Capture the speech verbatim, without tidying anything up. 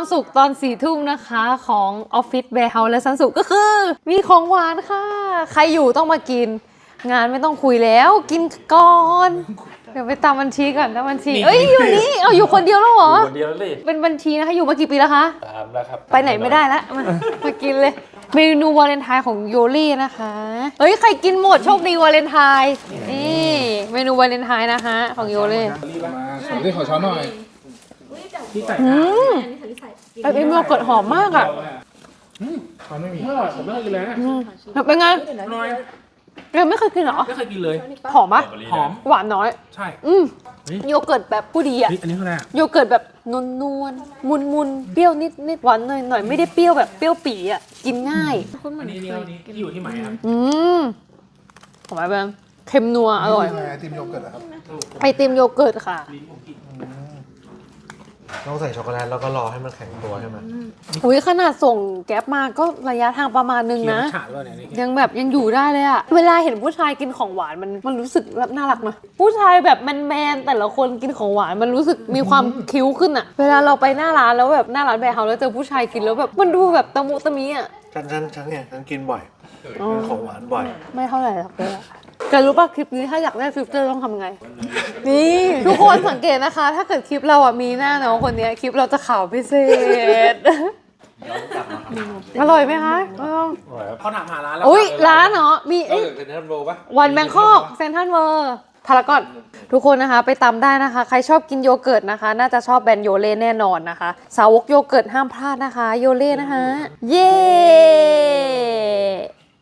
ความสุขตอนสี่ทุ่มนะคะของออฟฟิศแบร์เฮาส์และซันสุก็คือ มีของหวานค่ะ ใครอยู่ต้องมากิน งานไม่ต้องคุยแล้วกินก่อน เดี๋ยวไปตามบัญชีก่อนตามบัญชีเอ้ยอยู่นี่เอาอยู่คนเดียวแล้วเหรอคนเดียวเลยเป็นบัญชีนะคะอยู่มากี่ปีแล้วคะตามแล้วครับไปไหนไม่ได้แล้วมามากินเลยเมนูวาเลนไทน์ของโยลี่นะคะเฮ้ยใครกินหมดโชคดีวาเลนไทน์นี่เมนูวาเลนไทน์นะคะของโยลี่ขอได้ขอช้อนหน่อยที่ใส่อืมไอเอ็มโยเกิร์ตหอมมากอ่ะช้อนไม่มีอร่อยผมไม่เคยกินเลยนะเป็นไงน้อยเอ็มไม่เคยกินเหรอไม่เคยกินเลยหอมปะหอมหวานน้อยใช่อืมโยเกิร์ตแบบผู้ดีอ่ะอันนี้คืออะไรโยเกิร์ตแบบนวลนวลมุนมุนเปรี้ยวนิดนิดหวานหน่อยหน่อยไม่ได้เปรี้ยวแบบเปรี้ยวปีอ่ะกินง่ายอันนี้นี่ที่อยู่ที่ไหนครับอืมของอะไรแบบเค็มนัวอร่อยไอติมโยเกิร์ตครับไอติมโยเกิร์ตค่ะต้องใส่ช็อกโกแลตแล้วก็รอให้มันแข็งตัวใช่ไหมอุ้ยขนาดส่งแก๊ปมาก็ระยะทางประมาณนึงนะยังแบบยังอยู่ได้เลยอะเวลาเห็นผู้ชายกินของหวานมันมันรู้สึกแบบน่ารักนะผู้ชายแบบแมนๆแต่ละคนกินของหวานมันรู้สึกมีความคิ้วขึ้นอะเวลาเราไปหน้าร้านแล้วแบบหน้าร้านแบร์เฮาส์แล้วเจอผู้ชายกินแล้วแบบมันดูแบบตะมุตะมิอะฉันฉันฉันเนี่ยฉันกินบ่อยกินของหวานบ่อยไม่เท่าไหร่หรอกเลยแกรู้ป่ะคลิปนี้ถ้าอยากได้ฟิลเตอร์ต้องทำไงนี่ทุกคนสังเกตนะคะถ้าเกิดคลิปเราอ่ะมีหน้าน้องคนนี้คลิปเราจะขาวพิเศษอร่อยไหมคะเขาถามหาร้านแล้วอุ้ยร้านเหรอมีเซ็นทรัลโรปะวันแบงคอกเซนทรัลเวอร์พารากอนทุกคนนะคะไปตามได้นะคะใครชอบกินโยเกิร์ตนะคะน่าจะชอบแบรนด์โยเล่แน่นอนนะคะสาวกโยเกิร์ตห้ามพลาดนะคะโยเล่นะคะเย้